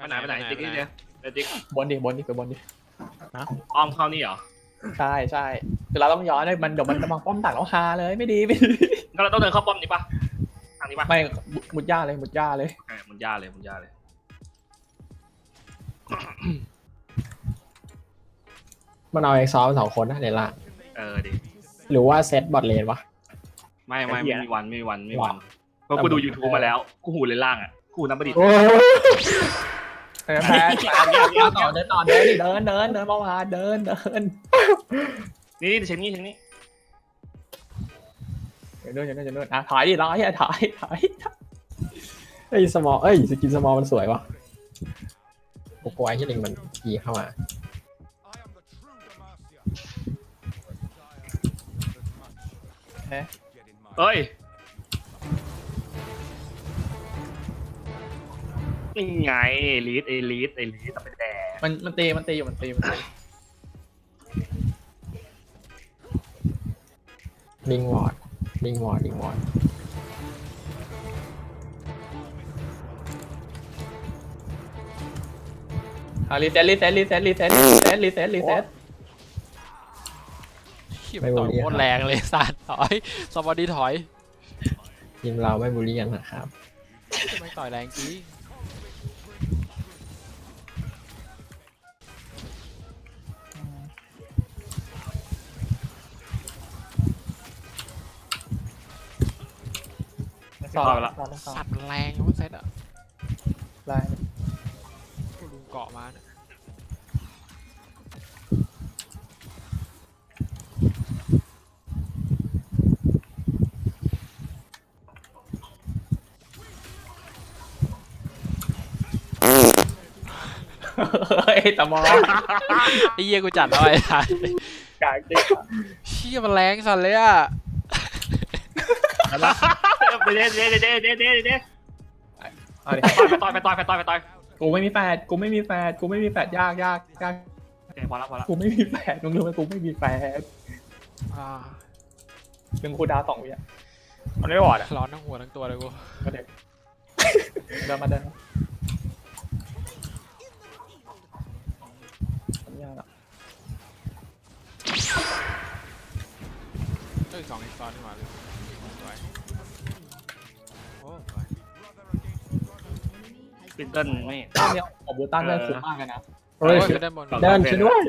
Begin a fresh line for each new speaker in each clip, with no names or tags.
ไปไหนติ๊กนี่เดียวไปติ๊ก
บนดิไปบนดิ
อ้อมเข้านี่เหรอ
ใช่คือเราต้องย้อนให้มันเดี๋ยวมันจะมาป้อมตักแล้วฮาเลยไม่ดี
ก็เราต้องเดินเข้าป้อมนี้ปะทางนี้ปะ
ไม่มุดย่าเลย
มุนย่าเลย
มันเอาเอ็กซ์ซอล2 คนนะในล่าง
ดิ
หรือว่าเซตบอทเลนวะ
ไม่มีวันเพราะกูดู YouTube มาแล้วกูหูเลยล่างอ่ะกูน้ำประดิษฐ์
แพ้ต่อเดินต่อเดินเมื่อวานเดิน
นี่เช็คนี่
เดินอ่ะถอยดิร้อยอ่ะถอย
เอ้ยสมอลสกินสมอลมันสวยวะโกโก้ไอ้ที่ลิงมันยีเข้ามา
เอ้ยนี่ไงลีดแต่เป็นแดง
มันตีอยู่
ลิงวอร์ด
รีเซ็ต
ไม่บูลลี่
โคตรแรงเลยสัตว์ถอยสวัสดีถอย
ทีมเราไม่บูลลี่กันนะครับ
ไม่ต่อยแรงจริง
ต่อละ
สัตว์แรงยังไม่เซ็ตอ่ะ
ไล่
กูลุงเกาะมาเนี่ย
เฮ้ยตะมอ
ไอ้เหี้ยกูจัดเอาไว้ทัน
กางจริง
เชี่ยมันแรงสัตว์เลยอ่ะ
เด้
เอาดิ
ต่อย
กูไม่มีแฟดยาก
พอแล้ว
กูไม่มีแฟดมึงรู้ไหมกูไม่มีแฟด
อ่า
หนึ่งคูดาว2 วิอ่ะ
มันไม่บอดอ่ะ
ร้อนทั้งหัวทั้งตัวเลยกู
ก็เด็กเดินมายากอ่ะ
เฮ้ย2 อีกซ้อนนี่หว่าเลยสวยโอ้สวย
ปินเติ้ลไม่
ตั้งเนี่ยของบูตันได้สุดมากเลยนะ
เฮ้ย
ไปด้านบน
เดินช่วยด้วย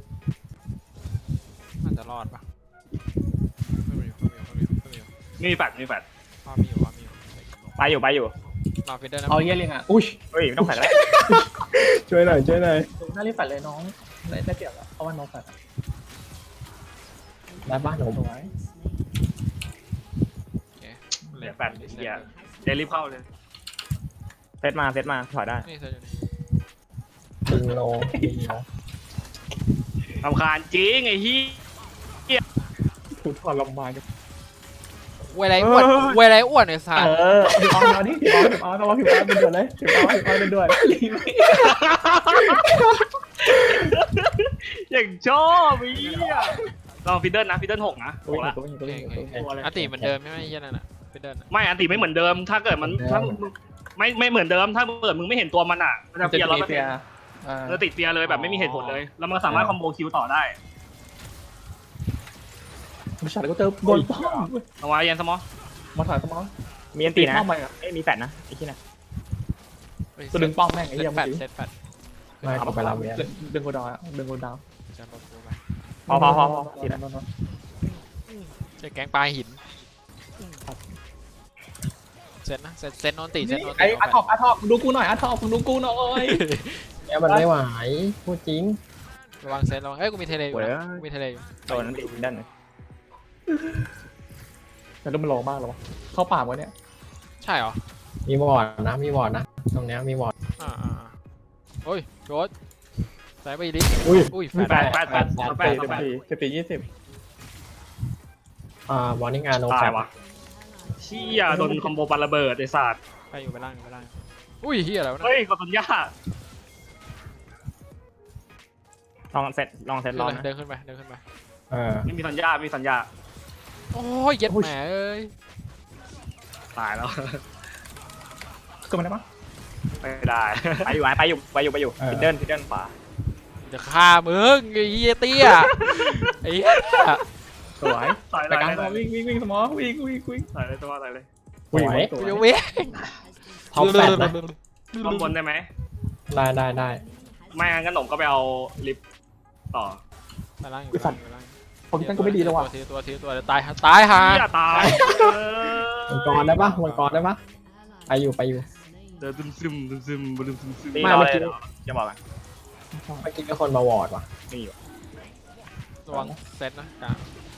น่าจะรอดปะไม่มี
ไม่มีแฟด
มีอยู่
ไปอยู่
รอฟิดเดอร์นะ
เอาเยี่ยเลยอ่ะอุ้ย
เฮ้ยไม่ต้องแฟดแล้ว
ช่วยหน่อย
น่ารีบแฟดเลยน้องได้เปรียบแล้วเพราะว่าน้องแฟด
ได้บ้านผม
สวย
โอเค
เหลือแฟดเฮียเดรีบเข้าเลย
เซตมาถอยได้
นี่เซตอยู่นี่
ลิงโล
รำคาญจริงไอ้ฮีย
ถูกทรมานกัน
เวลาอ้วนเวลาอ้วนไอ้สัตว์
พี่ออนนี่พี่ออนเป็นเดือดเลยพี่ออนเป็นเดือด
อย่างชอบไอ้เฮียลองฟิดเดิลนะฟิดเดิล6นะ
ตัว
ละ
อติเหมือนเดิมไม่เหี้ยนั่นน่ะฟิดเดอร์น่ะ
ไม่อันติไม่เหมือนเดิมถ้าเกิดมันถ้าไม่เหมือนเดิมถ้าเกิดมึงไม่เห็นตัวมันอ่ะมันจะเฟียร์เราจะติดเฟียร์เลยแบบไม่มีเหตุผลเลยแล้วมันสามารถคอมโบคิวต่อได้
ผู้ชายก็เจอโดนป้อม
เอาไว้ยันสมอ
มาถอยสมอง
มีอันตีนะ
ป้อมไปอ่ะ
มีแฟดนะไอ้ที่น่ะ
ตัวดึงป้อมแม่งไอ้
เซ
เหี้ย
ต
เมื่
แป
อ
ด
กี้
เซตแปด
ไม่เอาไปรับเวียน
ดึงโคดาวดึงโคดาว
จะลดตัวไป
พอตีนะ
เจะแกงปลาหินเซตนะเซตโนนตีเซตโนนตี
ไอ้อาท็อปดูกูหน่อยอาท็อปดูกูหน่อย
แล้วมันไม่ไหวพูดจริง
ระวังเซตระวังเอ้ยกูมีเทเลอยู่นะกูมีเทเลอยู่
โดนนั้นตีด้าน
แต่ดูมันโลมากหรอเข้าป่าวะเนี่ย
ใช่เหรอ
มีวอร์ดนะตรงเนี้ยมีวอร์ด
โอ้ยโดดใส่ไปดิ
อุ้ย
แฟ
แป
ด
ด
14 20
วอร์นิ่งอาโน
ตายวะเชี่ยโดนคอมโบปันระเบิดไอ้สัตว์
ไปอยู่ไปล่างอุ้ยเฮียอะไรวะ
เฮ้ยกดสัญญา
ลองเซตลองนะ
เดินขึ้นไป
ไม่มีสัญญา
โอ้ยเย็ดแหมเอ้ย
ตายแล้ว
คือมันได้ปะ
ไม่ได้
ไปอยู่ฟินเดิลขวา
จะฆ่ามึงไอ้เหี้ยเตี้ยไอ้เหี้ย
สวย
ใส่
แต่การ
เลย
วิ่งสมองวิ่ง
ใส่เลยตัวใส่เลย
สวย
กูจะเว้ย
ท็อปแฟตนะ
ข้างบนได้ไหม
ได้
ไม่งั้นขนมก็ไปเอาลิฟต์ต่อ
ไปล่างอยู่
ผมตั้งก็ไม่ดีแล้วว่ะ
ตัวเดี๋ยวตายตายฮะ
อย่าตาย
มังกรได้ปะมังกรได้ปะไปอยู่
เดินซึมซึม
ตี
ไม่
รอ
เมื่อ
เลย
กี้
จะบอกกัน
เมื่อกี้มีคนมาวอร์ดว่ะ
มีอยู่
ระวังเซตนะกลาง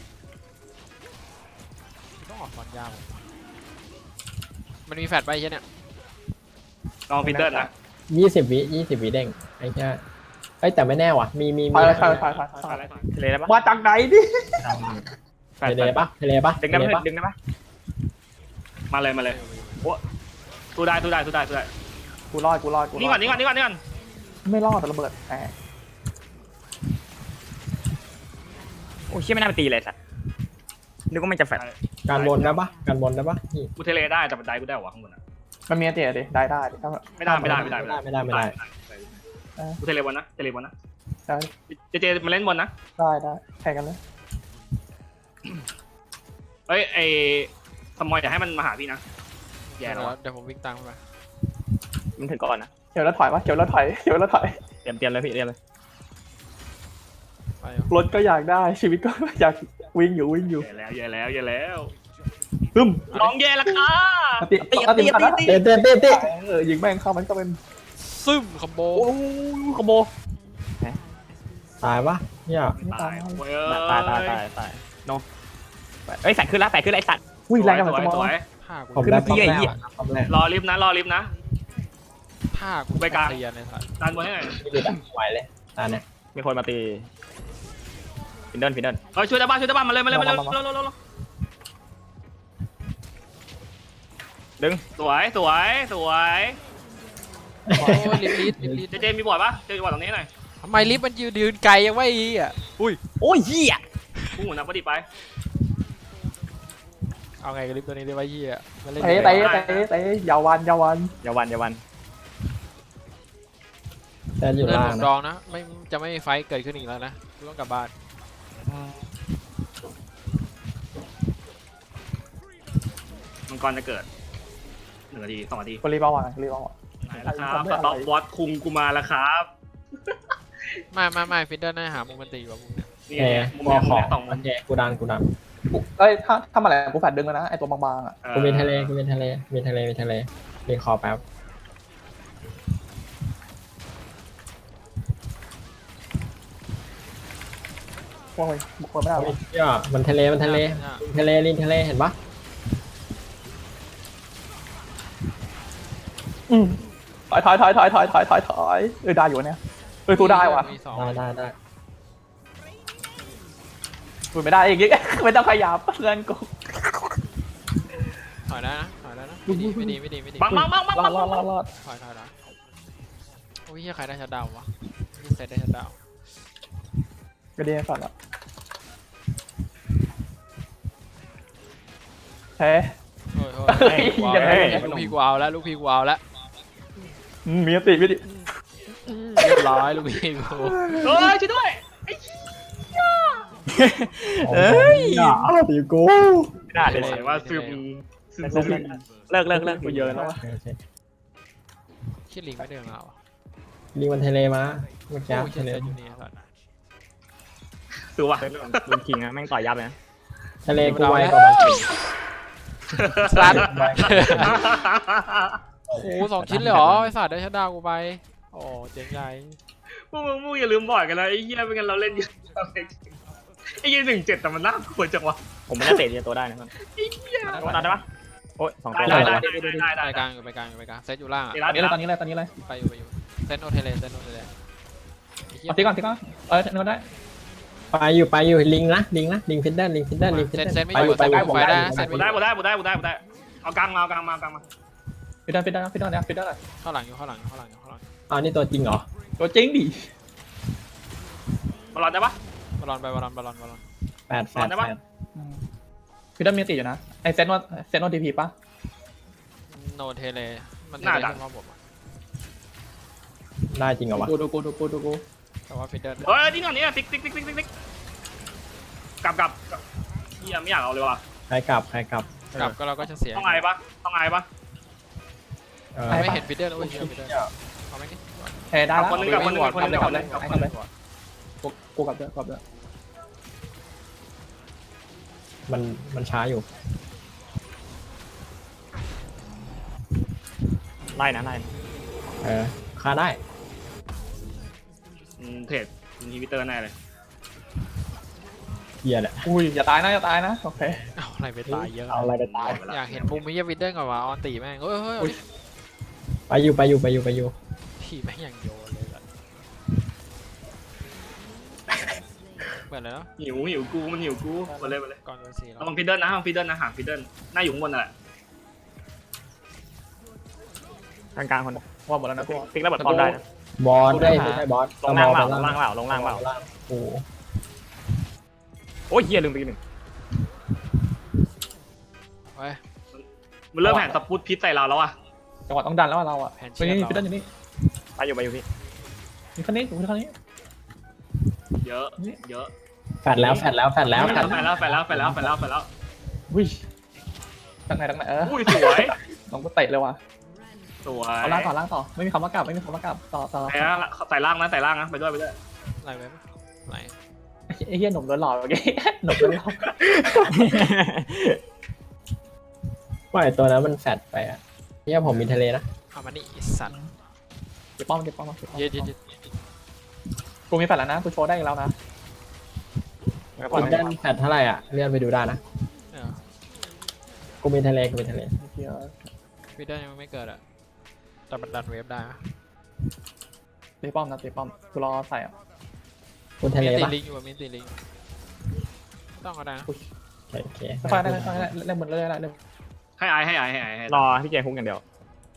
ต้องออกก่อนยาวมันมีแฟดไปใช่เนี่ย
ลองฟินเดิลนะ
20 วิเด้งไอ้แค่เอ้ยแต่ไม่แน่ว่ะมี
ไป
ทะเลได้ปะ
มาจากไหนดิ
เทเลปะ
ดึงได้ปะดึงได้ปะ
มาเลยสู้ได้
กูรอด
นี่ก่อน
ไม่รอดแต่ระเบิดแหม
โอ้เชี่ยไม่น่าไปตีเลยสัตว์นึกว่ามันจะแฟด
การบนได้ปะนี่
กูเทเลได้แต่บันไดกูได้หรอข้างบนอ่ะ
มันมีเตะดิได้ถ้า
ไม่ได้กูเทเลบนนะเจมาเล่นบนนะ
ได้แข่งกันเลย
เฮ้ยไอสมอยอย่าให้มันมาหาพี่นะแย่แล้ว
เดี๋ยวผมวิ่งตามเข้าไป
มันถึงก่อนนะ
เขียวแล้วถอยเขียวแล้วถอย
เตรียมเลยพี่เตรียมเลย
ไป
รถก็อยากได้ชีวิตก็อยากวิ่งอยู่
แย่แล้ว
ตึ้ม
น้องแย่ละค่ะ
ตี
เต้
ยิงแม่งเข้ามันก็เป็น
ซึมคอมโบ
ขโม
ตายปะเนี่ย
ตาย
ตายโนเอ้ยแฟดขึ้นแล้วไอ้สัตว์
วิ่งแรงกันเหมือนสม
ส
อง
วย
ผ้ากู
ผมได้ป้อมแรกป้อมแรก
รอลิฟต์นะ
ผ้ากู
ไปกลาง
เตียนในสัตว์
ดันบนให้หน่อย
ไม่ได้ไหวเลยตาเนี่ย
มีคนมาตีฟินเดิล
เฮ้ยช่วยได้บ้านมาเลย
ดึง
สวย
โอ้ยลิฟต์
เจมีบอร์ดปะเจมีบอร์ดตรงนี้หน่อย
ทำไมลิฟต์มันยืนไกลยังไม่อีอ่ะอุ้ย
โอ้ยเหี้ย
พุ่งหัวนักประดิษฐ์ไป
เอาไงกับลิฟต์ตัวนี้ได้ไว้เหี้ยมันเล่น
เตะยาวัน
อย่าวัน
แต่อยู่
เล่น
ล่า
ห
ง
นุน
นะ
ดองนะไม่จะไม่มีไฟเกิดขึ้นอีกแล้วนะต้องกลับบ้าน
มังกรจะเกิด1 นาที 2 นาที
กูรีบเอาว่ะ
ไหนแล้วครับสต็อปวอตคุงกูมาแล้วครับ
ไม่ฟินเดิลน่าหามุมมันตีกว่ามุมเนี่ย
นี่มุม
มอ
นี้
ข
มุ
อ
ม
ง
นี้2 มุม
โอเคกูดัน
เอ้ยถ้ามาแหละกูแฟดดึงแล้วนะไอตัวบางๆอ่ะ
กูมีทะเลเรียนคอแป๊บ
โอ้ยบุกคนไม่ได้
เนี่ยมันทะเลลินทะเลเห็นปะ
ถอยได้อยู่เนี่ยสู้ได้ว่ะ
มีสอง
ได้
สู้ไม่ได้อีกไม่ต้องขยับเพื่อนกู
ถอยแล้วนะไม่ดี
บัง
รอด
ถอยโอ้ยเฮียใครได้ชัดดาววะนี่เซตได้ชัดดาว
กระเด็นสัตว์ละเฮ้
ลูกพี่กูเอาแล้ว
มีติ
เรียบร้อยลูกพี่กู
เฮ้ยช่วยด้วย
ตีกู
ไม่ได้เลย
เห็นว่าซึม
เลิกกูเยอะแล้ว
คิดลิงไม่เดินมาอ่ะ
ลิงมันทะเลมาเมื่อกี้
โอ้ยเซ
ทะเล
ตอยู่นี่สัตว์
สือว่ะ
ลุงคิงนะแม่งต่อยยับเลยนะ
ทะเลกูไวกว่ามัน
สัตว์โอ้โห2 ชิ้นเลยเหรอไอสัตว์ได้ชัดดาวกูไปโอ้เจ๋งใหญ่
พวกมึงอย่าลืมบอร์ดกันนะไอ้เหี้ยเป็นกันเราเล่นเยอะไอ้เหี้ย1-7แต่มันน่ากลัวจังวะ
ผมไม่ได้เตะตัวได้นะมัน
ไอ้เหี้ย
ตัวได้ปะโอ้ย2 ตัว
ได้
ไปกลางเซตอยู่ล่าง
ตอนนี้เลย
ไปอยู่เซตโนเทเล
เอาตีก่อนนึกได้
ไปอยู่ลิงฟินเดอร์
เซตไม่อยู่ไฟได้เซต
บุได้เอากลางมา
ฟิดได้
เข้าหลังอยู่
อ๋อนี่ตัวจริงเหรอ
ตัวจริงดิ
บอลได้ปะ
บอล
แปด
ฟิดได้มีติอยู่นะไอเซนโนทีพีป่ะ
โนเทเลมันเทเลรอบผม
ได้จริงเหรอวะ
ดูกู
แต่ว่าฟิดเดิล
เฮ้ยนี่ก่อนนี่ติ๊กกลับเฮียไม่อยากเอาเลยว่ะ
ใครกลับ
กลับก็เราก็จะเสีย
ต้องไงปะ
ไม่เห็นฟิดเดิลแล้วเว้ยฟิดเดิลเอาไหมนี่
เฮ้ได้แล้ว
คนนึงกับคนนึง
กูกลับด้วย
มันช้าอยู่
ไล่นะไล่
ฆ่าได้
เทรดอินฮิบิเตอร์แน่เลย
เฮียแหละ
อุ้ยอย่าตายนะโอเค
เอาอะไรไปตายเยอะ
เอาอะไรไปตาย
อยากเห็นมุมมิยฟิดเดิลก่อนว่ะออนตีแม่งเฮ้ย
ไปอยู่
ทีแม่งอย่างโยนเลยแบบเปิดเลยเนาะ
หิวกูมันหิวกูมาเลย
ก่อนโดนสีแล้ว
ระวังฟิดเดิลนะหาฟิดเดิลหน้าอยู่ข้างบนน่ะ
กลางคน
ว่าหมดแล้วนะกู
ติ๊กแล้วเปิดพร้อมได้นะ
บอสได้ไม่ใช่บอส
ลงล่างเปล่าลงล่างเปล่าลงล่างเปล่า
โอ้
โอ้ยเฮียลืมไปหนึ่ง
เฮ้ย
มันเริ่มแผ่นสปุตพิษใส่เราแล้วอ่ะ
จังหวะต้องดันแล้วเราอ่ะไปนี่พี่ต้นอยู่นี่
ไปอยู่พี่
มีคนนี้
เยอะ
แฟดแล้ว
อุ้ยตั้งไหน
อุ้ยสวย
น้องกูเตะเลยว่ะ
สวย
เอาล่างต่อไม่มีคำว่ากลับต่อ
ใส่ล่างนะไปด้วย
ไหลไปปะไหล
ไอ้เหี้ยหนุ่มโดนหลอกเมื่อกี้หนุ่มโดนหลอก
ว่าไอตัวนั้นมันแฟดไปอ่ะเนี่ยผมมีทะเลนะ
เอามานี่สัตว์
เก็บป้อม
เย็ด
กูมีแฟนแล้วนะกูโชว์ได้แล้วนะ
ฟิดเดิลแฟดเท่าไหร่อ่ะเลื่อนไปดูได้นะกูมีทะเล
เดี๋ยว
ฟิดเดิลยังไม่เกิดอ่ะแต่มันดันเวฟได้
ตีป้อมกูรอใส่อ่ะ
กูทะเล
มีตี
ปะ
ลิงอยู่มีตีลิงต้องก็ได้นะ
โอเค
ไฟได้เล่นบนเลยได้เล่น
ให้ไอ
รอพี่เจฮุกอย่างเดียว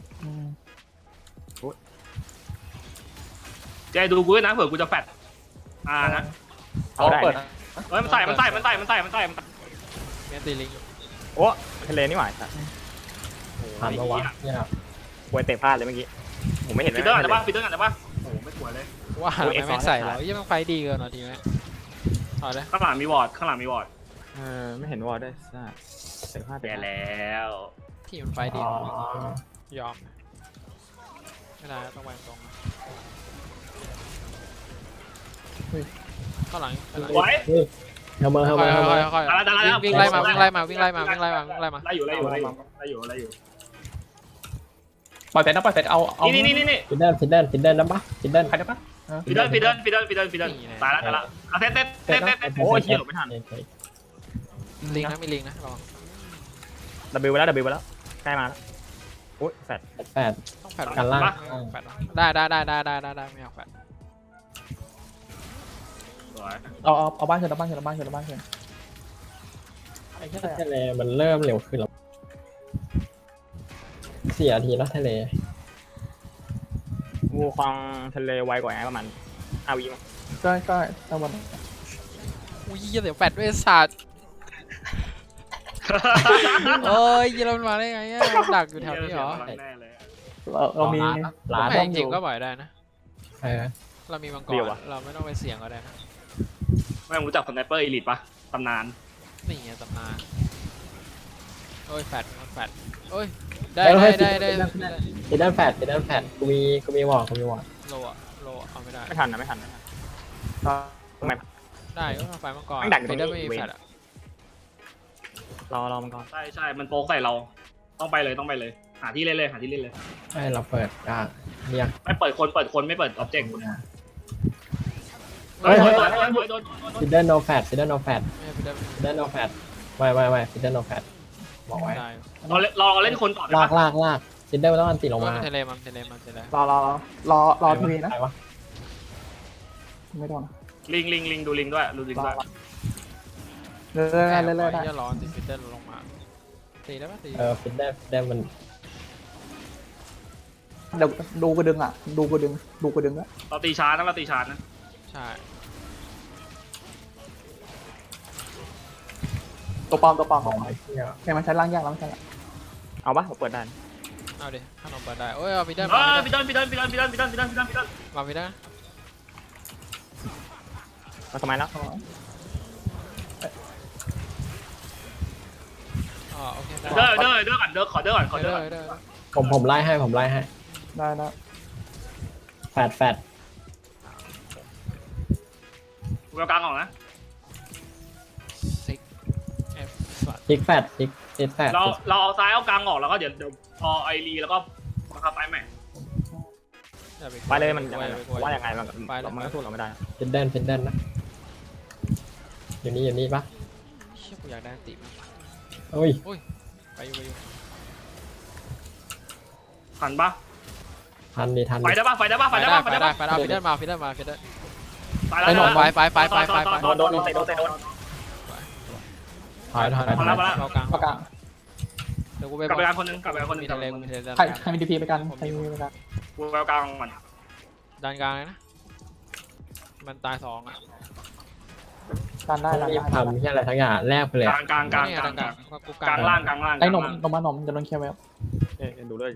ใจดูกูนะเผื่อกูจะแฟดนะ
เอาได้
เปิด
เฮ้ยมันใส่
มีตีลิงอยู่
โอ้ทะเลนี่หว่า
ผ่านมาวะเนี่ย
ป่วยเตะพลาดเลยเมื่อกี้ผมไม่เห็น
ฟิดเดิลกันได้ปะโอ้ไม่สวยเลย
ว่าทำไมไม่ใส่แล้วยังไฟดีเกินหน่อยทีไหมเอาเลย
ข้างหลังมีวอร์ด
ไม่เห็นวอลได้ซ่าเตะพลาด
แย่แล้ว
ที่มันไฟดี
อ๋อย
อมไม่ได้ต้องวางตรงข้างหลัง
ไว้
เฮลเมอร์
ค่อยวิ่งไล่มา
ไล่อยู่
ปล่อยเสร็จเอา
นี่
ฟิดเดิลนะปะฟิดเดิล
ใครได้ปะ
ฟิดเดิลตายแล้วเต้น
โอ้ยเฮียหลบไม่ทัน
ลิงนะมีลิงนะระวัง
ดับเบิลไปแล้วใกล้มาแล้วโอ้ยแฟด
แฟด
ต้องแฟด
กันล่าง
แฟดได้ไม่เอาแฟด
เอาบ้านเฉยไอ้แค่
ทะเลมันเริ่มเร็วขึ้นแล้ว4 นาทีแล้วทะเล
งูคลองทะเลไวกว่าไงประมาณ5 วิมั้ง
ก็ตะวัน
อุ้ยเดี๋ยวแฟดด้วยศาสตร์เอ้ยยีราฟมาได้ไงดักอยู่แถวนี้เหรอ
เรามี
ร้าน
แม่จริงก็บ่อยได้นะ เรามีมังกรเราไม่ต้องไปเสี่ยงก็ได้นะ
ไม่รู้จักสไนเปอร์อีลิทปะตำนาน
นี่ไงตำนานโอ้ยแฟดโอ้ยได้
ฟิดเดิลแฟดกูมีวอร์ด
โลเอาไม่ได้
ไม่ทันทำไม
ได้ก็ไฟมังกร
ดักอยู่ตรงนี้
ได้ไม่มีแฟดอ่ะ
รอมันก่อน
ใช่มันโป๊กใส่เราต้องไปเลยหาที่เล่นเลย
ให้เราเปิดกลางเรียก
ไม่เปิดคนไม่เปิดออบเจกต์
ฟิดเดิลโนแฟด
ไม่ได้
ฟิดเดิลโนแฟดไม่ฟิดเดิลโนแฟดบอกไว้
ได้
เราเล่นคนก่อน
ลากฟิดเดิลต้องอันติลง
ว่า
มา
มันเทเลมัน
รอทีวีนะ
ใครวะ
ไม่ต้อง
ลิงดูลิงด้วย
เลยได้
จะร้อนติดฟิตเตอร์ลงมาตีได้ปะตี
ฟิดเดิลมัน
เดี๋ยวดูกระดึงด้วย
เราตีชาร์จนะ
ใช่
ตัวปลอม
บอกไว้เที่ยว
แค่มันใช้ล่างยากแล้วมันใช่
เอาปะผมเปิดได้
เอาดิขนมเปิดได้โอ้ยเอาไปได้
พี่ต้น
มาไปได้
มาทำไมแล้ว
อ๋อโอเค
เด้อก่อนขอเด้อก่อน
ผมไล่ให้ผมไล่ให้
ได้นะ
แฟด
กูเอากลางออกนะ
ซิกเอฟสัตว์
พลิกแฟดพลิกแฟด
เราเอาซ้ายเอากลางออกแล้วก็เดี๋ยวพอไอรีแล้วก็บังคับไปใหม่
ไปเลยมันยังไงว่ายังไงมันก็สู้เราไม่ได้
ฟินเดินนะอยู่นี่ปะ
เชี่ยกูอยากได้ติมาก
โอ้ย
ไปอยู่
ทันปะ
ทัน
ไฟได้ปะ
ไปได้เอาฟิดเดิลมาฟิดเดิล
ตายแล้ว
ไป
โดนเตะ
ถอย
มาแล้ว
เอากลาง
ประกาศ
เดี๋ยวกูไป
กลับไปกลางคนนึง
มีทะเลกูมีทะเล
ใครมีดีพีไปกันใครมีไปกัน
กูเอากลางมัน
ดันกลางเลยนะมันตาย2อ่ะ
การได้
รีบทำที่อะไรทั้งอย่างแลกไปเลย
กลาง
กู
กลางล่าง
ไอ้หนมจะโดนเคลียร์ไว้
ดูด้วย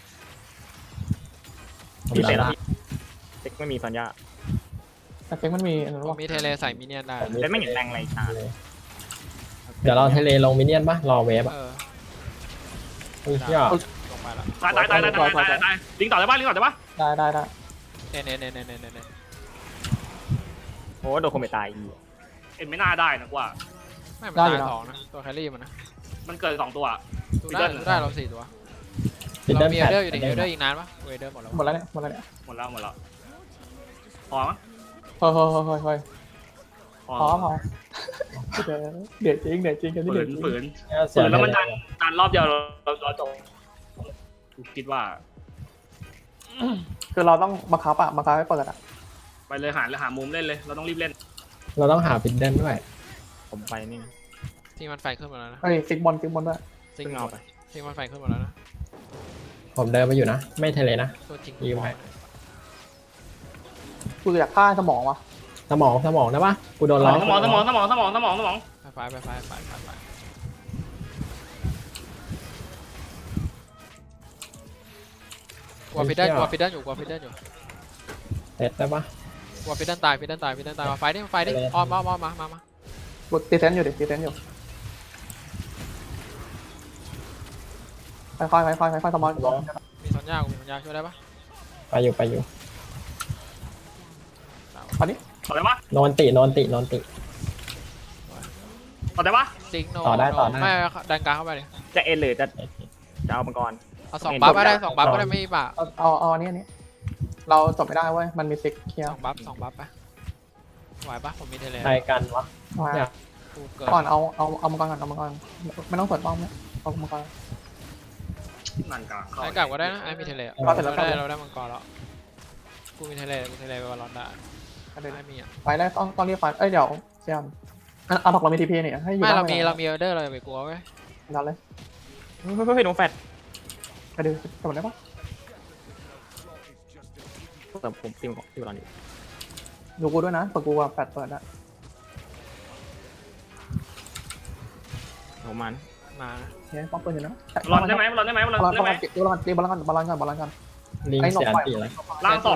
ผม
พี่เตะ
ละ
เซ็กไม่มีสัญญา
แต่เฟกมันมีอะไร
กู
วะ
มีเทเลใส่มิเนียนได้
เล่นไม่เห็นแรงอะไรตา
เดี๋ยวเราเทเลลงมินเนี่ยนปะรอเวฟอ่ะ อุ้ยเหี้ย
ลงไปละ
ตายลิงต่อได้ปะ
ได้
เน่
โอ้โดนคอมเมตาย
เอ็นไม่น่าได้นะกว่า
ไม่มันตาย2นะตัวแครี่มันนะ
มันเกิด2ตัว
ดูได้เรา4ตัว
ฟิน
เรา
เดิล
มี
แฟ
เอ
ด
เดอร์อยู่ดิเอเดอร์อีกนานปะเอเดอร์หมดแล้ว
หมดแล้วเนี่ย
หมดแล้วพอมั้ย
พอเดือดจริงกันที่เดือด
ฝืน
เสีย
แล้วมันดันรอบเดียวเราจบคิดว่า
คือเราต้องบังคับให้เปิดอ่ะ
ไปเลยหามุมเล่นเลยเราต้องรีบเล่น
เราต้องหาฟินเดิลด้วย
ผมไปนี่
ที่มันไฟขึ้นมาแล้วนะ
เฮ้ยฟิกบอลด้วย
ซิง
เอาไป
ที่มันไฟขึ้นมาแล้วนะ
ผมเดินไปอยู่นะ ไม่เทเลนะ
ตัวจริง
ยืมไป
กูอยากฆ่าสมองวะ
สมองได้ปะกูโดนล้อ
สมอง
ไฟกลัวฟิดเดิลอยู่
เสร็จได้ปะ
กลัวฟิดเดิลตายมาไฟดิอ้อมมา
กูตีเซนอยู่ค่อยสมอง
มีสัญญาช่วยได้ปะ
ไปอยู่
ตอนนี้
ต่อได้ปะ
โนนติ
ต่อได้ปะ
ซิงโน
ต่อได้
ไม่ดันกลางเข้าไปเลย
จะเอ็นหรือจะเอามังกร
เอา2บัฟก็ได้2บัฟก็ได้ไม่ป่ะ
เอาอันนี้เราจบไม่ได้เว้ยมันมีซิกเคลียร์
2บัฟไปไหวปะผมมีเทเล
ใครกันวะ
กูเกิด
ก่อนเอามังกรไม่ต้องเปิดป้อมเนี่ยเอามังกร
นั่นกลาง
ไอ้กลับก็ได้นะไอ้มีเทเลเราได้มังกรแล้วกูมีเทเลไปบอลลอนได้ไอ้มีอ่ะ
ไฟได้ต้องเรียกไฟเดี๋ยวเซียนเอาถกเรามีทีพีเนี่ยให้อยู่
ไม่เรามีเอเดอร์เราอย่าไปกลัวเว้ย
ดันเลย
เฮ้ยโดนแฟด
ไปดูจบได้ปะ
แต่ผมตีมันตีบอลอยู่
ดูกูด้วยนะเปิดกูว่าแปดเปิดอะ
ผมมัน
มา
เนี่ยป้อมปืนอยู่นะ
รอนได้ไหมบอลได้ไหม
บอลกัน
ลิงเสียตีแล้ว
ล่างสอง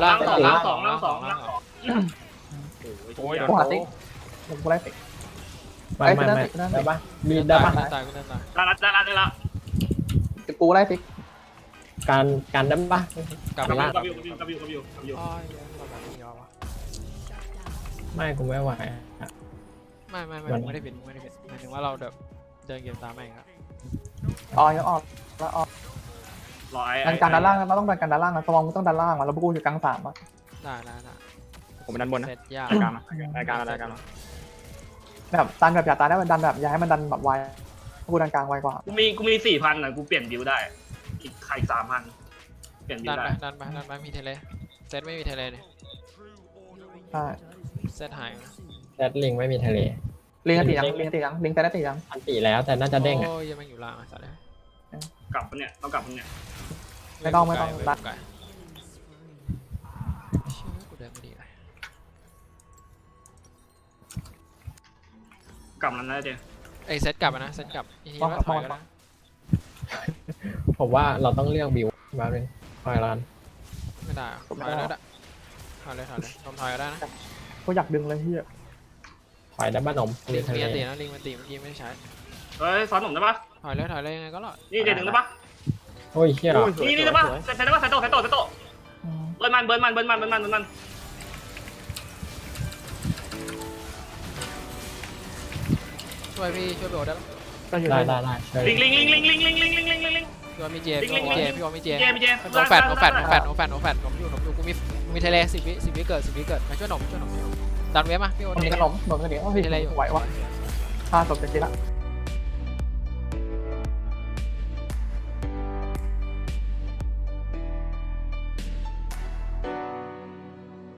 โอ้ย
กูหาติ๊กกูไล่ติ๊ก
ไม่ได้ปะมีได้ปะ
ตายกูตาย
ได้ละ
กูไล่ติ๊ก
การได้ปะ
กลับ
กับ
ล่าง
อยู่
อ๋อเราแบบนี้วะ
ไม่กูไม่ไหว
ไม่ได้ผิดหมายถึงว่าเราแบบเดินเกมตามแม่งครับ
ออกแล้วออก
รอไอ้
ดันการด้านล่างเราต้องดันการด้านล่างนะสมองต้องด้านล่างแล้วพวกกูอยู่กลางสามอ่ะ
ได้
ผมดันบนนะ
เสร็จยาก
รายการ
แบบดันแบบอย่าตายได้ดันแบบอย่าให้มันดันแบบไวพวกกูดันกลางไวกว่า
กูมี4,000นะกูเปลี่ยนบิวได้อีก3,000เปลี่ยนบิว
ดัน
ได้
ไปมีเทเลเซตไม่มีเทเลเนี่ย
ใช่
เซตหาย
แซดลิงไม่มีทะเล
ลิงตียังลิงแต่ได้ตียัง
อันตีแล้วแต่น่าจะเด้งอ่ะ
โอ้ยยังไม่อยู่ล่างอ่ะสัตว์เลย
กลับปะเนี่ยต้องกลับปะเนี่ย
ไม่ต้องดัน
เชื่อกูเดินไม่ดีเลย
กลับแล้วนะเจ๊
ไอเซตกลับนะเซตกลับอีกทีว่าถอยแล้วนะ
ผมว่าเราต้องเลือกบิวมาเป็นคอยลาน
ไม่ได้ถอยแล้วถอยเลยผมถอยก็ได้นะ
กูอยากดึงเลยเฮีย
คอยได้บ้านนม
ลิ
เรีย
ง
นทะ
มี
เล
อันตีนะลิงมันตีเมื่อกี้ไม่ได้ใช้
เฮ้ยซ้อนผมได้ปะ
ถอยเลยยังไงก็รอด
นี่เดี๋ยวดึงได้ปะ
โอ้ยเฮีย
นี่ได้ปะใส่ได้ปะใส่โตเบิร์นมัน
ช่วยพี่ช่วยโดดได้ปะ
ก็อยู่
ได้
ใน
ได้ใช่
ลิง
พี่ว่ามีเจพี่ว่ามีเจ
เจ
โนแฟดผมอยู่กูมีเทเล10 วิเกิดมาช่วยหนมดันเว็บมาพี่โอ๊ต
คนนี้ขนมโดนกันเดี๋ยวพี่ไหววะฆ่าศพจะกินละ